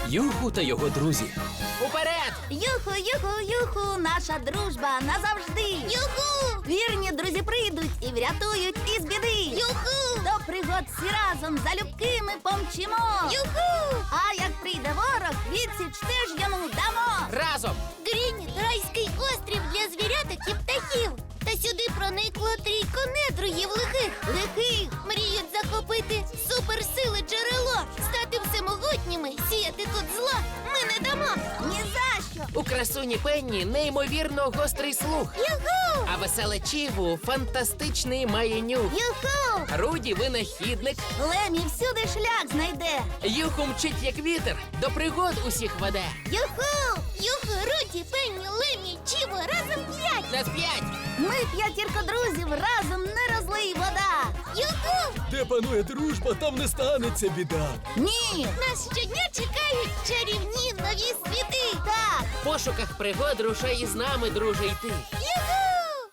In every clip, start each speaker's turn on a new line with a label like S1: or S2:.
S1: Юху та його друзі. Уперед!
S2: Юху, юху, юху, наша дружба назавжди. Юху! Вірні друзі прийдуть і врятують із біди. Юху! До пригод всі разом залюбки ми помчимо. Юху! А як прийде ворог, відсіч теж йому дамо.
S1: Разом!
S3: Грініт – райський острів для звіряток і птахів. Та сюди проникло трійко недругів лихих. Мріють захопити суперсили джерело, стати всемогутніми, сіяти тут зла ми не дамо.
S2: Ні за що.
S1: У красуні Пенні неймовірно гострий слух.
S3: Юху!
S1: А веселе Чіву фантастичний має нюх.
S2: Юху!
S1: Руді винахідник.
S2: Лемі всюди шлях знайде.
S1: Юху мчить як вітер, до пригод усіх веде.
S2: Юху!
S3: Юху, Руді, Пенні, Лемі, Чіво, разом 5!
S1: На 5!
S2: Ми п'ятірка друзів, разом не розлий вода.
S3: Юху!
S4: Де панує дружба, там не станеться біда.
S2: Ні!
S3: Нас щодня чекають чарівні нові світи!
S2: Так!
S1: В пошуках пригод рушай із нами, друже, йти.
S3: Юху!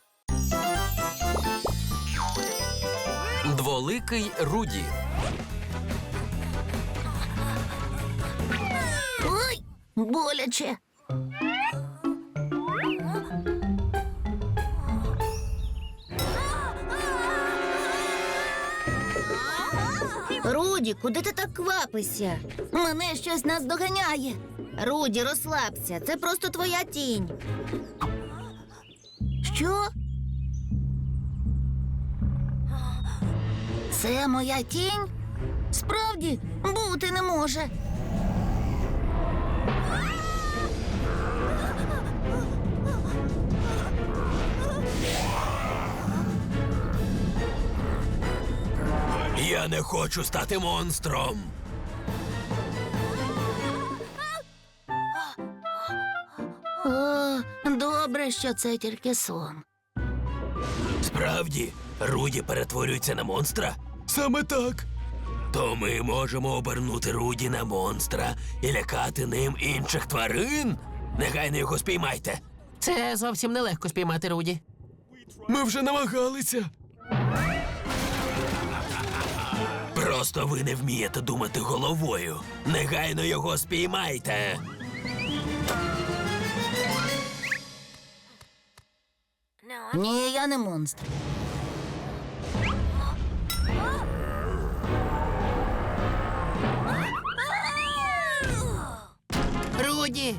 S1: Дволикий Руді.
S2: Ой! Боляче!
S5: Руді, куди ти так квапишся?
S2: Мене щось наздоганяє.
S5: Руді, розслабся. Це просто твоя тінь.
S2: Що? Це моя тінь? Справді, бути не може.
S4: Я не хочу стати монстром.
S2: О, добре, що це тільки сон.
S4: Справді, Руді перетворюється на монстра? Саме так. То ми можемо обернути Руді на монстра і лякати ним інших тварин? Негайно його спіймайте.
S1: Це зовсім нелегко спіймати Руді.
S4: Ми вже намагалися. Просто ви не вмієте думати головою. Негайно його спіймайте.
S2: Ні, я не монстр.
S1: Руді!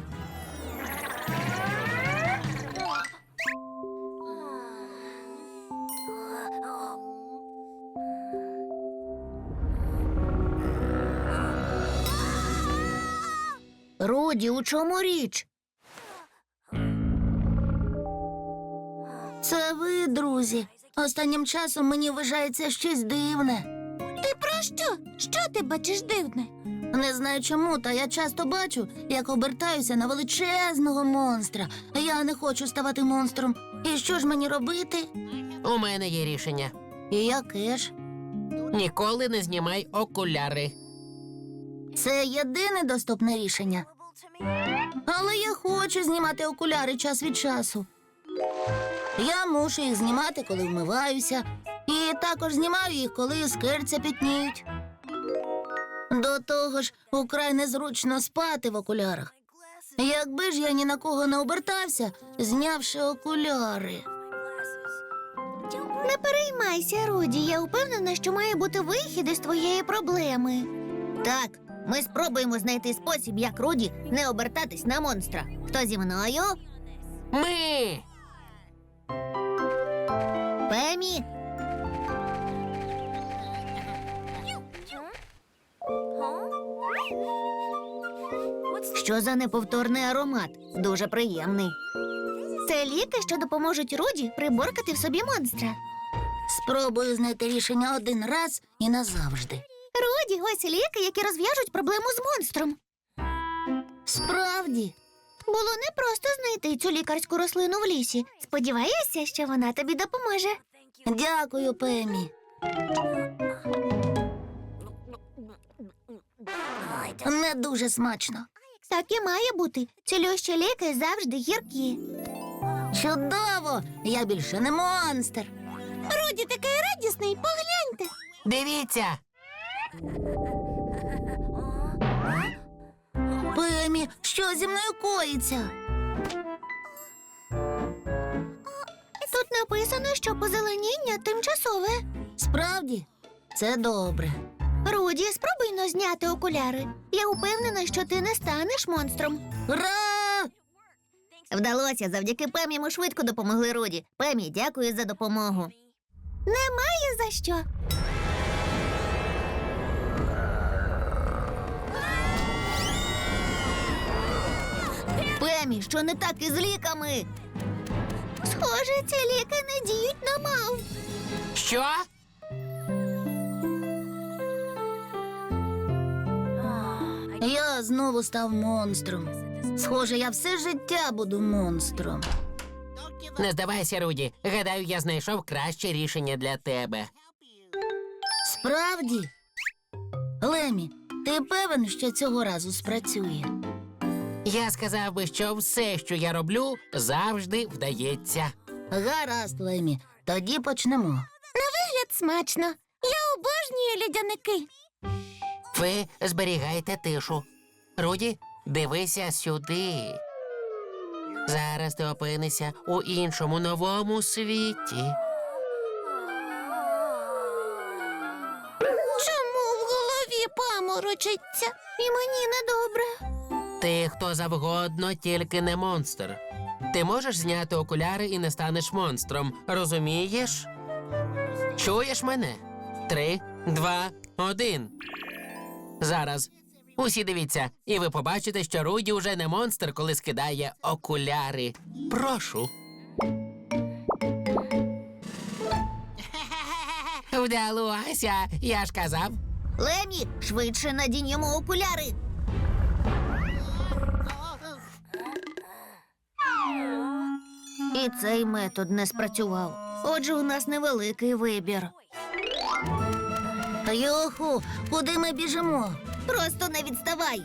S2: Руді, у чому річ? Це ви, друзі. Останнім часом мені вважається щось дивне.
S3: Ти про що? Що ти бачиш дивне?
S2: Не знаю чому, та я часто бачу, як обертаюся на величезного монстра. Я не хочу ставати монстром. І що ж мені робити?
S1: У мене є рішення.
S2: І яке ж?
S1: Ніколи не знімай окуляри.
S2: Це єдине доступне рішення. Але я хочу знімати окуляри час від часу. Я мушу їх знімати, коли вмиваюся. І також знімаю їх, коли скирця пітніють. До того ж, украй незручно спати в окулярах. Якби ж я ні на кого не обертався, знявши окуляри.
S3: Не переймайся, Руді. Я впевнена, що має бути вихід із твоєї проблеми.
S5: Так, ми спробуємо знайти спосіб, як Руді не обертатись на монстра. Хто зі мною?
S1: Ми!
S5: Пемі? Що за неповторний аромат? Дуже приємний.
S3: Це ліки, що допоможуть Руді приборкати в собі монстра.
S2: Спробую знайти рішення один раз і назавжди.
S3: Руді, ось ліки, які розв'яжуть проблему з монстром.
S2: Справді.
S3: Було непросто знайти цю лікарську рослину в лісі. Сподіваюся, що вона тобі допоможе.
S2: Дякую, Пемі. Не дуже смачно.
S3: Так і має бути. Цілющі ліки завжди гіркі.
S2: Чудово! Я більше не монстр.
S3: Руді такий радісний, погляньте.
S1: Дивіться!
S2: Ні, що зі мною коїться?
S5: Тут написано, що позеленіння тимчасове.
S2: Справді, це добре.
S5: Руді, спробуй-но зняти окуляри. Я упевнена, що ти не станеш монстром.
S2: Ура!
S5: Вдалося, завдяки Пемі ми швидко допомогли Руді. Пемі, дякую за допомогу. Немає за що. Пемі, що не так із ліками? Схоже, ці ліки не діють на мав.
S1: Що?
S2: Я знову став монстром. Схоже, я все життя буду монстром.
S1: Не здавайся, Руді. Гадаю, я знайшов краще рішення для тебе.
S2: Справді? Лемі, ти певен, що цього разу спрацює?
S1: Я сказав би, що все, що я роблю, завжди вдається.
S2: Гаразд, Лемі, тоді почнемо.
S5: Вигляд смачно. Я обожнюю льодяники.
S1: Ви зберігайте тишу. Руді, дивися сюди. Зараз ти опинишся у іншому новому світі.
S5: Чому в голові паморочиться? І мені недобре.
S1: Ти хто завгодно, тільки не монстр. Ти можеш зняти окуляри і не станеш монстром. Розумієш? Чуєш мене? 3, 2, 1. Зараз. Усі дивіться, і ви побачите, що Руді уже не монстр, коли скидає окуляри. Прошу. Вдалося, я ж казав.
S5: Лемі, швидше надінь йому окуляри. І цей метод не спрацював. Отже, у нас невеликий вибір.
S2: Юху, куди ми біжимо?
S5: Просто не відставай.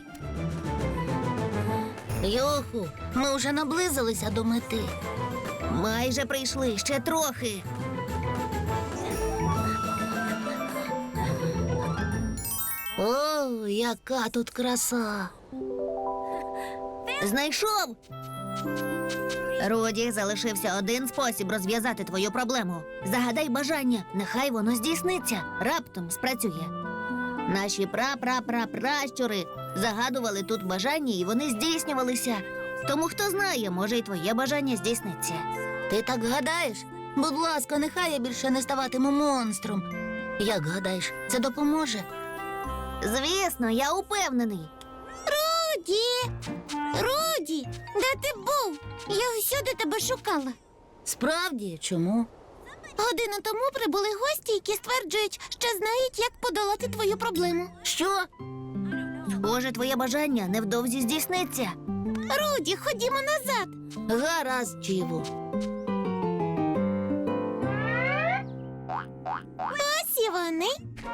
S2: Юху, ми вже наблизилися до мети.
S5: Майже прийшли, ще трохи.
S2: О, яка тут краса!
S5: Знайшов. Руді, залишився один спосіб розв'язати твою проблему. Загадай бажання, нехай воно здійсниться. Раптом спрацює. Наші пращури загадували тут бажання, і вони здійснювалися. Тому хто знає, може, і твоє бажання здійсниться.
S2: Ти так гадаєш? Будь ласка, нехай я більше не ставатиму монстром. Як гадаєш, це допоможе?
S5: Звісно, я упевнений. Руді, де ти був? Я всюди тебе шукала.
S2: Справді, чому?
S5: Годину тому прибули гості, які стверджують, що знають, як подолати твою проблему.
S2: Що?
S5: Схоже, твоє бажання невдовзі здійсниться. Руді, ходімо назад.
S2: Гаразд, Чіву.
S5: Ось і вони.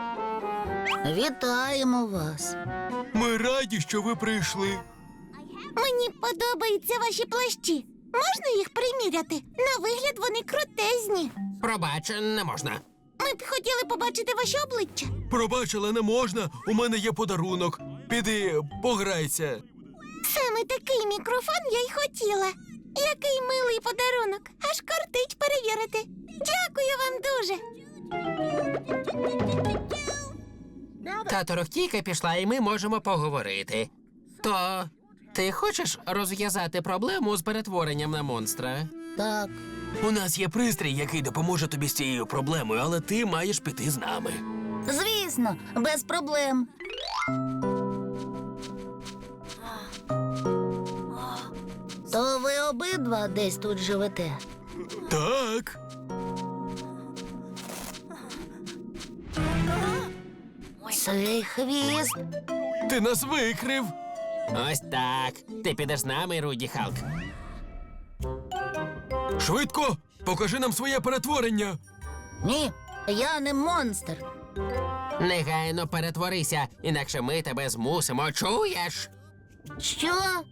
S2: Вітаємо вас.
S4: Ми раді, що ви прийшли.
S5: Мені подобаються ваші плащі. Можна їх приміряти? На вигляд вони крутезні.
S1: Пробач, не можна.
S5: Ми б хотіли побачити ваші обличчя.
S4: Пробач, але не можна. У мене є подарунок. Піди, пограйся.
S5: Саме такий мікрофон я й хотіла. Який милий подарунок. Аж кортить перевірити. Дякую вам дуже.
S1: Та торохтійка пішла, і ми можемо поговорити. То ти хочеш розв'язати проблему з перетворенням на монстра?
S2: Так,
S4: У нас є пристрій, який допоможе тобі з цією проблемою, але ти маєш піти з нами.
S2: звісно, без проблем. То ви обидва десь тут живете?
S4: Так.
S2: Цей хвіст.
S4: Ти нас викрив.
S1: Ось так. Ти підеш з нами, Руді Халк.
S4: Швидко, покажи нам своє перетворення.
S2: Ні, я не монстр.
S1: Негайно перетворися, інакше ми тебе змусимо, чуєш?
S2: Що?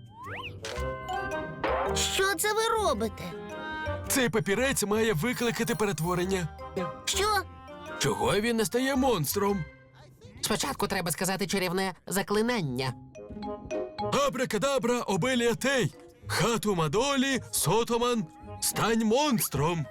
S2: Що це ви робите?
S4: Цей папірець має викликати перетворення.
S2: Що?
S4: Чого він не стає монстром?
S1: Спочатку треба сказати чарівне заклинання.
S4: Абракадабра, обелія тей. Хату Мадолі, Сотоман, стань монстром.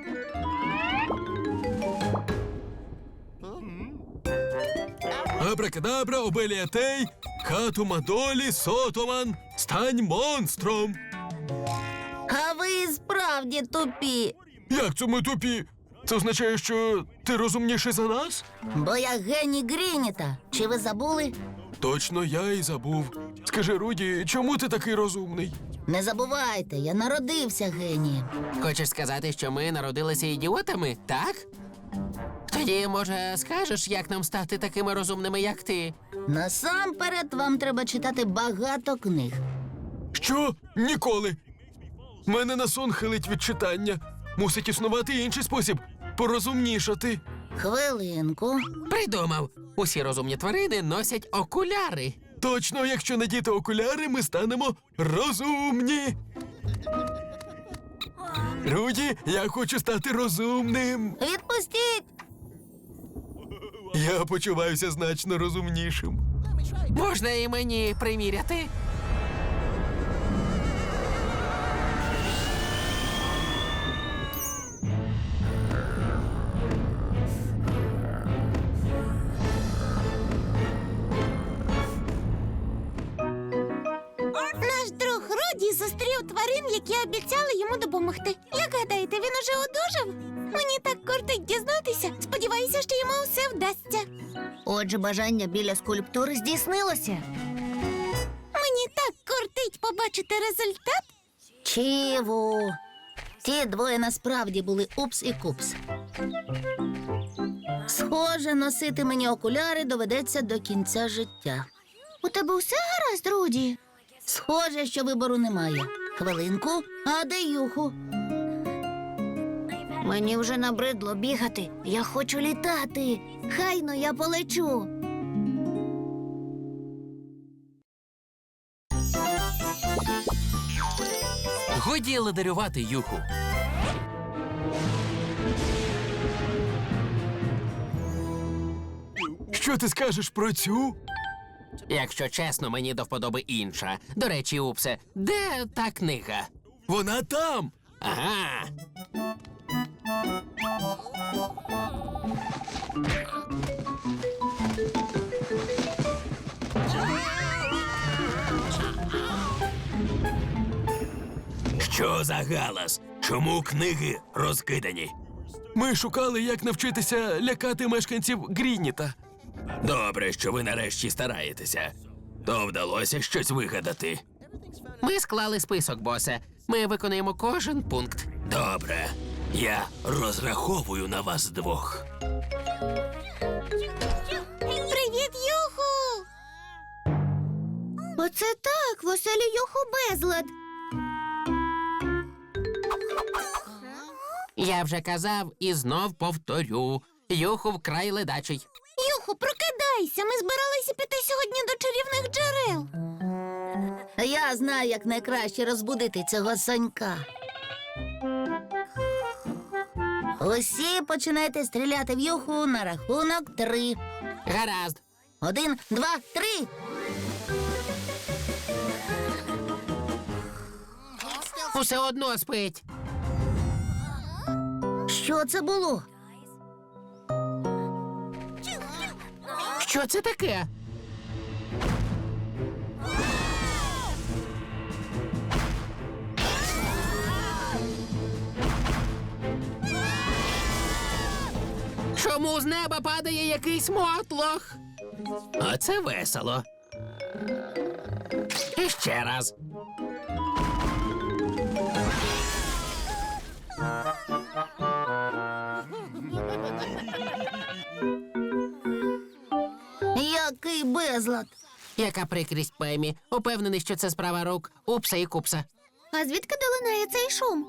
S4: Абракадабра, обелія тей. Хату Мадолі, Сотоман, стань монстром.
S2: А ви справді тупі,
S4: Як це ми тупі? Це означає, що ти розумніший за нас?
S2: бо я геній Грініта. Чи ви забули?
S4: Точно, я і забув. Скажи, Руді, чому ти такий розумний?
S2: Не забувайте, я народився генієм.
S1: Хочеш сказати, що ми народилися ідіотами, так? Тоді, може, скажеш, як нам стати такими розумними, як ти?
S2: Насамперед вам треба читати багато книг.
S4: Що? Ніколи. Мене на сон хилить від читання. Мусить існувати інший спосіб порозумнішати.
S2: Хвилинку.
S1: Придумав. Усі розумні тварини носять окуляри.
S4: Точно, якщо надіти окуляри, ми станемо розумні. Руді, я хочу стати розумним.
S2: Відпустіть!
S4: Я почуваюся значно розумнішим.
S1: Можна і мені приміряти?
S3: Наш друг Руді зустрів тварин, які обіцяли йому допомогти. Як гадаєте, він уже одужав? Мені так кортить дізнатися. Сподіваюся, що йому все вдасться.
S5: Отже, бажання біля скульптури здійснилося.
S3: Мені так кортить побачити результат.
S2: Чіву. Ті двоє насправді були Упс і Купс. Схоже, носити мені окуляри доведеться до кінця життя.
S5: У тебе все гаразд, Руді?
S2: Схоже, що вибору немає. Хвилинку, а де Юху?
S5: Мені вже набридло бігати. Я хочу літати. Хайно я полечу.
S1: Годі ледарювати, Юху.
S4: Що ти скажеш про цю?
S1: Якщо чесно, мені до вподоби інша. До речі, Упсе, де та книга?
S4: Вона там.
S1: Ага.
S4: Що за галас? Чому книги розкидані? Ми шукали, як навчитися лякати мешканців Грініта. Добре, що ви нарешті стараєтеся. То вдалося щось вигадати.
S1: Ми склали список, босе. Ми виконуємо кожен пункт.
S4: Добре. Я розраховую на вас двох.
S3: Привіт, Юху!
S5: Оце так, в оселі Юху безлад.
S1: Я вже казав і знов повторю. Юху вкрай ледачий.
S3: Юху, прокидайся! Ми збиралися піти сьогодні до чарівних джерел.
S2: Я знаю, як найкраще розбудити цього сонька. Усі починайте стріляти в Юху на рахунок 3.
S1: Гаразд.
S2: 1, 2, 3.
S1: Усе одно спить.
S2: Що це було?
S1: Що це таке? Чому з неба падає якийсь мотлох? Оце весело. І ще раз.
S2: Який безлад.
S1: Яка прикрість, Пемі. Упевнений, що це справа рук Упса і Купса.
S5: А звідки долинає цей шум?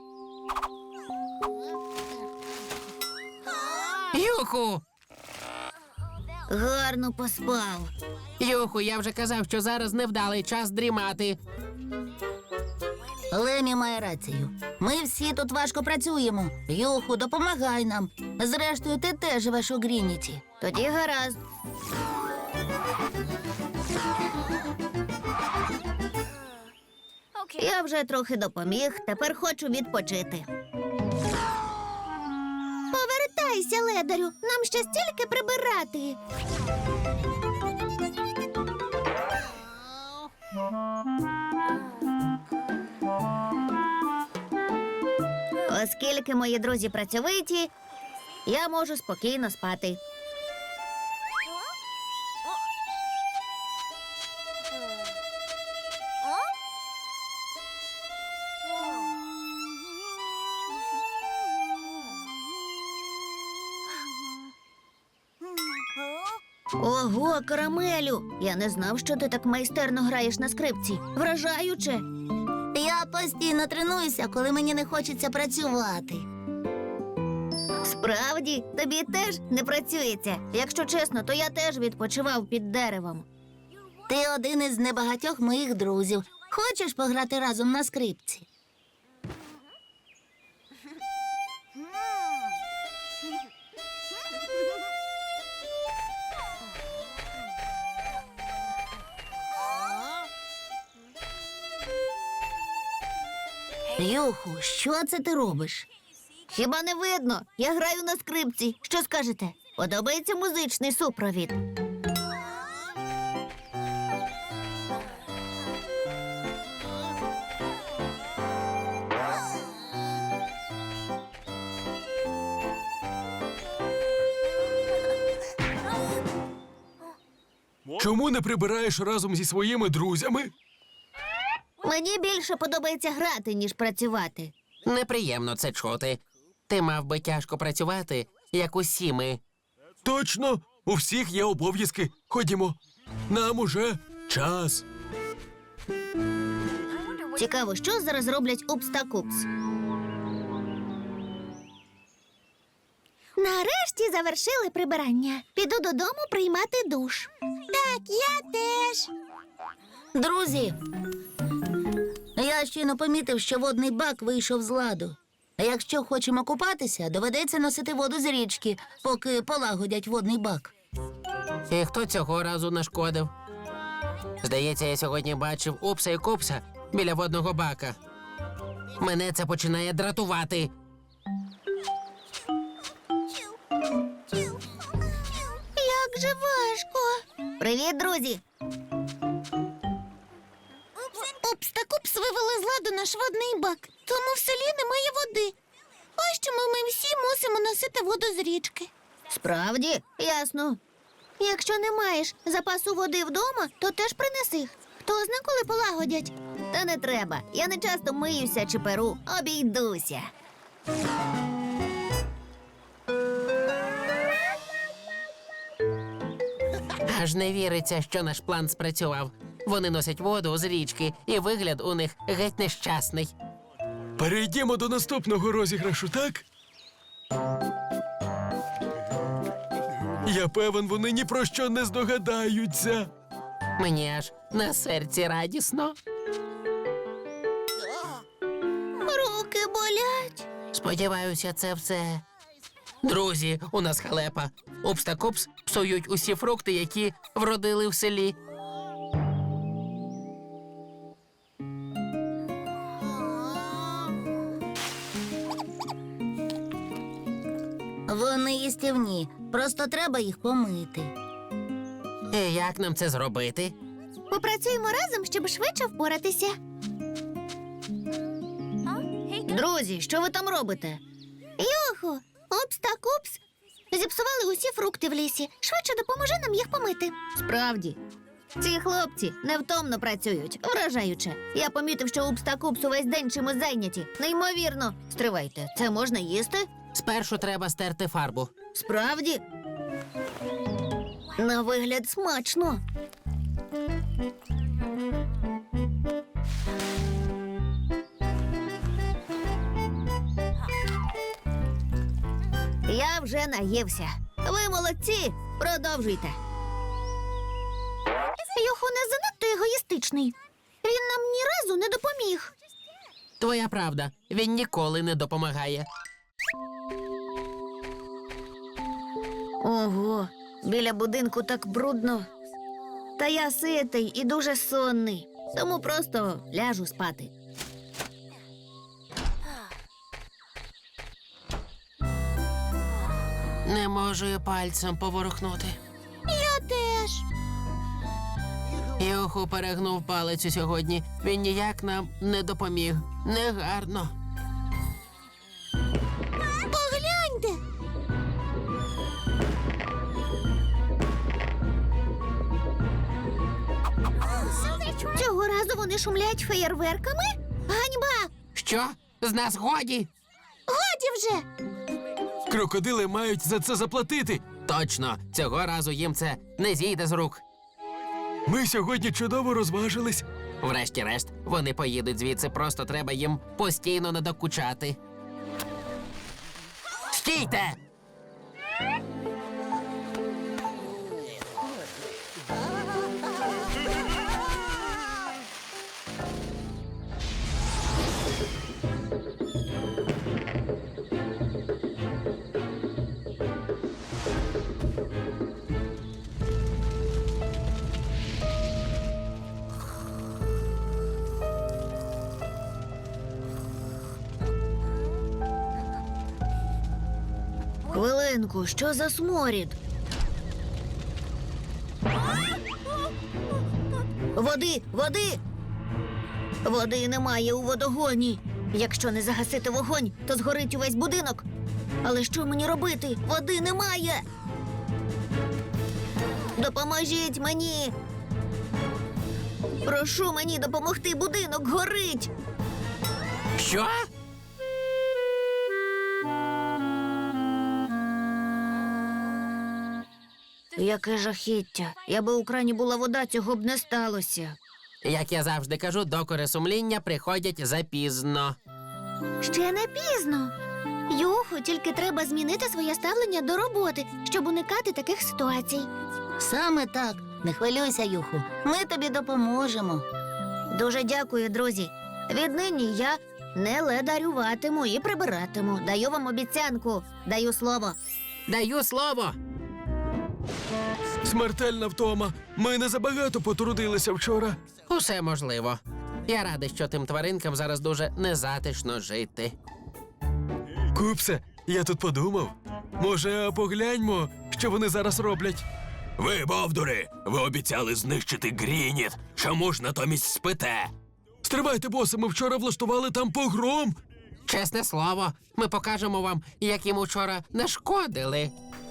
S1: Юху!
S5: Гарно поспав.
S1: Юху, я вже казав, що зараз невдалий час дрімати.
S2: Лемі має рацію. Ми всі тут важко працюємо. Юху, допомагай нам. Зрештою, ти теж живеш у Грініті.
S5: Тоді гаразд. Я вже трохи допоміг, тепер хочу відпочити. Повертайся, ледарю, нам ще стільки прибирати. Оскільки мої друзі працьовиті, я можу спокійно спати. Ого, Карамелю! Я не знав, що ти так майстерно граєш на скрипці. Вражаюче!
S2: Я постійно тренуюся, коли мені не хочеться працювати.
S5: Справді, тобі теж не працюється. Якщо чесно, то я теж відпочивав під деревом.
S2: Ти один із небагатьох моїх друзів. Хочеш пограти разом на скрипці? Юху, що це ти робиш?
S5: Хіба не видно? Я граю на скрипці. Що скажете? Подобається музичний супровід?
S4: Чому не прибираєш разом зі своїми друзями?
S5: Мені більше подобається грати, ніж працювати.
S1: Неприємно це чути. Ти мав би тяжко працювати, як усі ми.
S4: Точно, у всіх є обов'язки. Ходімо. Нам уже час.
S5: Цікаво, що зараз роблять Упс та Купс? Нарешті завершили прибирання. Піду додому приймати душ. Так, я теж.
S2: Друзі, я щойно помітив, що водний бак вийшов з ладу. А якщо хочемо купатися, доведеться носити воду з річки, поки полагодять водний бак.
S1: І хто цього разу нашкодив? Здається, я сьогодні бачив Упса і Купса біля водного бака. Мене це починає дратувати.
S5: Як же важко. Привіт, друзі.
S3: Упс та Купс вивели з ладу наш водний бак, тому в селі немає води. Ось чому ми всі мусимо носити воду з річки.
S5: Справді? Ясно. Якщо не маєш запасу води вдома, то теж принеси. Хто зна, коли полагодять. Та не треба. Я не часто миюся чи перу. Обійдуся.
S1: Аж не віриться, що наш план спрацював. Вони носять воду з річки, і вигляд у них геть нещасний.
S4: Перейдімо до наступного розіграшу, так? Я певен, вони ні про що не здогадаються.
S1: Мені аж на серці радісно.
S5: Руки болять.
S1: Сподіваюся, це все. Друзі, у нас халепа. Упс та Купс псують усі фрукти, які вродили в селі.
S2: Вони їстівні, просто треба їх помити.
S1: І як нам це зробити?
S5: Попрацюємо разом, щоб швидше впоратися. Друзі, що ви там робите? Йоху, Упс та Купс зіпсували усі фрукти в лісі. Швидше допоможи нам їх помити. Справді. Ці хлопці невтомно працюють, вражаюче. Я помітив, що Упс та Купс увесь день чимось зайняті. Неймовірно. Стривайте, це можна їсти?
S1: Спершу треба стерти фарбу.
S5: Справді? На вигляд смачно. Я вже наївся. Ви молодці, продовжуйте. Йоху не занадто егоїстичний. Він нам ні разу не допоміг.
S1: Твоя правда, він ніколи не допомагає.
S5: Ого, біля будинку так брудно. Та я ситий і дуже сонний. тому просто ляжу спати.
S1: Не можу і пальцем поворухнути.
S3: Я теж.
S1: Юху перегнув палицю сьогодні. Він ніяк нам не допоміг. Негарно.
S3: Погляньте.
S5: Цього разу вони шумлять феєрверками? Ганьба!
S1: Що? З нас годі?
S3: Годі вже.
S4: Крокодили мають за це заплатити.
S1: Точно, цього разу їм це не зійде з рук.
S4: Ми сьогодні чудово розважились.
S1: Врешті-решт, вони поїдуть звідси, просто треба їм постійно надокучати. Стійте!
S5: Хвилинку, що за сморід? Води, води! Води немає у водогоні. Якщо не загасити вогонь, то згорить увесь будинок. Але що мені робити? Води немає. Допоможіть мені. Прошу мені допомогти, будинок горить.
S1: Що?
S5: Яке жахіття. Якби у крані була вода, цього б не сталося.
S1: Як я завжди кажу, докори сумління приходять запізно.
S5: Ще не пізно. Юху, тільки треба змінити своє ставлення до роботи, щоб уникати таких ситуацій.
S2: Саме так. Не хвилюйся, Юху. Ми тобі допоможемо.
S5: Дуже дякую, друзі. Віднині я не ледарюватиму і прибиратиму. Даю вам обіцянку. Даю слово.
S1: Даю слово.
S4: Смертельна втома. Ми не забагато потрудилися вчора.
S1: Усе можливо. Я радий, що тим тваринкам зараз дуже незатишно жити.
S4: Купсе, я тут подумав. Може, погляньмо, що вони зараз роблять. Ви, бовдури, ви обіцяли знищити Грініт. Чому ж натомість спите? Стривайте, босе, ми вчора влаштували там погром.
S1: Чесне слово, ми покажемо вам, як їм учора нашкодили.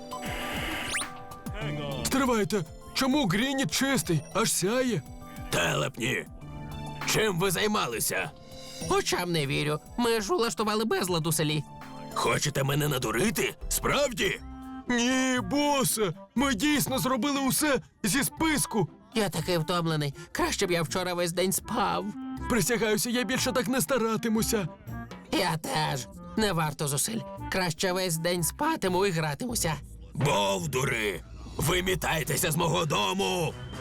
S4: Стривайте, чому Грініт чистий, аж сяє? Телепні, чим ви займалися?
S1: Очам не вірю. Ми ж улаштували безлад у селі.
S4: Хочете мене надурити? Справді? Ні, босе, ми дійсно зробили усе зі списку.
S1: Я такий втомлений. Краще б я вчора весь день спав.
S4: Присягаюся, я більше так не старатимуся.
S1: Я теж. Не варто зусиль. Краще весь день спатиму і гратимуся.
S4: Бовдури, вимітайтеся з мого дому!